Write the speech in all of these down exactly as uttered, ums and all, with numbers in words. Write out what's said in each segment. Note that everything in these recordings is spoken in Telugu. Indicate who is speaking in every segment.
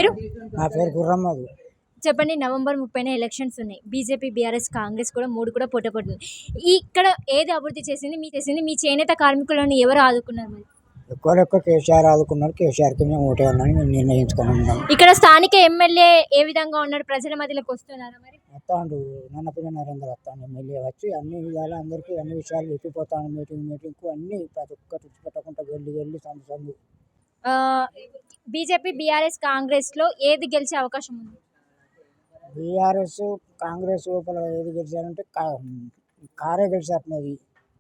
Speaker 1: పేరు?
Speaker 2: నా పేరు గుర్రమ్మది.
Speaker 1: చెప్పండి, నవంబర్ ముప్పైన ఎలక్షన్స్ ఉన్నాయి. బీజేపీ, బీఆర్ఎస్, కాంగ్రెస్ కూడా మూడు కూడా పోటీ పడుతుంది. ఇక్కడ ఏది అభివృద్ధి చేసింది మీ చేసింది మీ చేనేత కార్మికులను ఎవరు ఆదుకున్నారు? మరి
Speaker 2: ఎక్కువ ఎక్కువ కేసీఆర్ ఆదుకున్నారు. కేసీఆర్కి మేము ఓటేయాలని మేము నిర్ణయించుకుని ఉన్నాం.
Speaker 1: ఇక్కడ స్థానిక ఎమ్మెల్యే ఏ విధంగా ఉన్నారు? ప్రజల మధ్యలోకి వస్తున్నారా? మరి
Speaker 2: వస్తాడు నన్నపల్లి నరేంద్ర వస్తాను ఎమ్మెల్యే వచ్చి అన్ని విధాలు అందరికీ అన్ని విషయాలు చెప్పిపోతాను. మీటింగ్ మీటింగ్కు అన్ని ప్రతి ఒక్కటి పెట్టకుండా వెళ్ళి వెళ్ళి సందు సందు.
Speaker 1: బీజేపీ, బీఆర్ఎస్, కాంగ్రెస్ లో ఏది గెలిచే అవకాశం ఉంది?
Speaker 2: బీఆర్ఎస్ కాంగ్రెస్ లోపల ఏది గెలిచారంటే కారే గెలిచేస్తున్నది.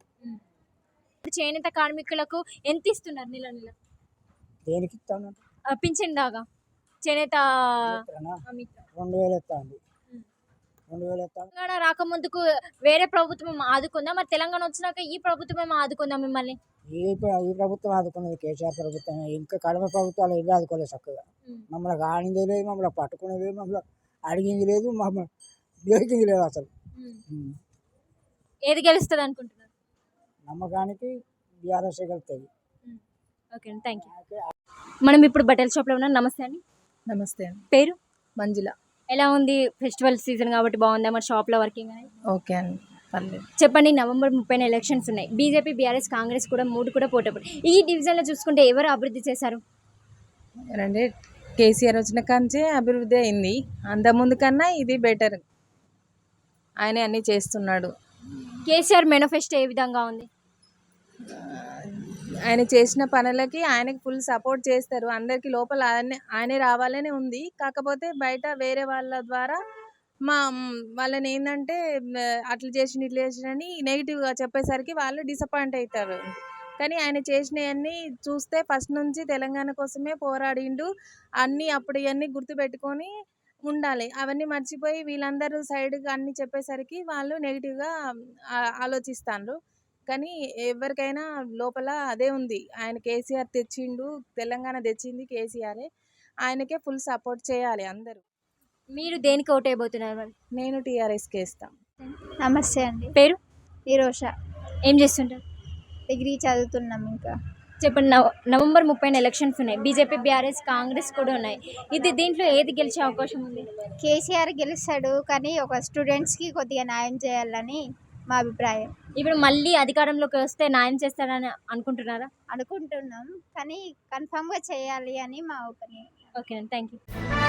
Speaker 1: చేనేత కార్మికులకు ఎంత ఇస్తున్నారు నెల నెల?
Speaker 2: దేనికి ఇస్తాను?
Speaker 1: పింఛన్ దాకా చేనేత
Speaker 2: రెండు వేలు ఇస్తాను. రెండు వేలు ఇస్తాను.
Speaker 1: తెలంగాణ రాకముందుకు వేరే ప్రభుత్వం ఆదుకుందా? మరి తెలంగాణ వచ్చినాక ఈ ప్రభుత్వం ఆదుకుందా మిమ్మల్ని?
Speaker 2: ఈ ఈ ప్రభుత్వం ఆదుకున్నది కేసీఆర్ ప్రభుత్వం. ఇంకా కడమ ప్రభుత్వాలు ఏవి ఆదుకోలేదు చక్కగా. మమ్మల్ని కానింది లేదు, మమ్మల్ని పట్టుకునేది లేదు, మమ్మల్ని అడిగింది లేదు, మమ్మల్ని గెలిచింది లేదు. అసలు
Speaker 1: ఏది గెలుస్తుంది అనుకుంటున్నారు?
Speaker 2: నమ్మకానికి బీఆర్ఎస్ గెలుస్తుంది.
Speaker 1: ఓకే అండి, థ్యాంక్ యూ. మనం ఇప్పుడు బట్టల షాప్లో ఉన్నాం. నమస్తే అండి.
Speaker 3: నమస్తే అండి.
Speaker 1: పేరు?
Speaker 3: మంజుల.
Speaker 1: ఎలా ఉంది? ఫెస్టివల్ సీజన్ కాబట్టి బాగుందా మరి షాప్లో వర్కింగ్ అనేది?
Speaker 3: ఓకే అండి, పర్లేదు.
Speaker 1: చెప్పండి, నవంబర్ ముప్పైన ఎలక్షన్స్ ఉన్నాయి. బీజేపీ, బీఆర్ఎస్, కాంగ్రెస్ కూడా మూడు కూడా పోటీ పడి ఈ డివిజన్లో చూసుకుంటే ఎవరు అభివృద్ధి చేశారు?
Speaker 3: అంటే కేసీఆర్ వచ్చిన కాంచే అభివృద్ధి అయింది. అంతకుముందు కన్నా ఇది బెటర్. ఆయన అన్నీ చేస్తున్నాడు.
Speaker 1: కేసీఆర్ మేనిఫెస్టో ఏ విధంగా ఉంది?
Speaker 3: ఆయన చేసిన పనులకి ఆయనకి ఫుల్ సపోర్ట్ చేస్తారు. అందరికీ లోపల ఆయన ఆయనే రావాలనే ఉంది. కాకపోతే బయట వేరే వాళ్ళ ద్వారా మా వాళ్ళని ఏంటంటే అట్లా చేసిన ఇట్లా చేసినని నెగిటివ్గా చెప్పేసరికి వాళ్ళు డిసప్పాయింట్ అవుతారు. కానీ ఆయన చేసినవన్నీ చూస్తే ఫస్ట్ నుంచి తెలంగాణ కోసమే పోరాడిండు. అన్నీ అప్పుడు ఇవన్నీ గుర్తుపెట్టుకొని ఉండాలి. అవన్నీ మర్చిపోయి వీళ్ళందరూ సైడ్గా అన్నీ చెప్పేసరికి వాళ్ళు నెగిటివ్గా ఆలోచిస్తారు. కానీ ఎవరికైనా లోపల అదే ఉంది. ఆయన కేసీఆర్ తెచ్చిండు, తెలంగాణ తెచ్చింది కేసీఆరే. ఆయనకే ఫుల్ సపోర్ట్ చేయాలి అందరూ.
Speaker 1: మీరు దేనికి ఓటు వేయబోతున్నారు? మరి
Speaker 3: నేను టీఆర్ఎస్కి వేస్తాను.
Speaker 4: నమస్తే అండి.
Speaker 1: పేరు?
Speaker 4: ఈరోష.
Speaker 1: ఏం చేస్తుంటారు?
Speaker 4: డిగ్రీ చదువుతున్నాం. ఇంకా
Speaker 1: చెప్పండి, నవ నవంబర్ ముప్పైన ఎలక్షన్స్ ఉన్నాయి. బీజేపీ, బీఆర్ఎస్, కాంగ్రెస్ కూడా ఉన్నాయి. ఇది దీంట్లో ఏది గెలిచే అవకాశం ఉంది?
Speaker 4: కేసీఆర్ గెలుస్తాడు, కానీ ఒక స్టూడెంట్స్కి కొద్దిగా న్యాయం చేయాలని మా అభిప్రాయం.
Speaker 1: ఇప్పుడు మళ్ళీ అధికారంలోకి వస్తే న్యాయం చేస్తారని అనుకుంటున్నారా?
Speaker 4: అనుకుంటున్నాం, కానీ కన్ఫామ్గా చేయాలి అని మా ఒపీనియన్.
Speaker 1: ఓకే అండి, థ్యాంక్ యూ.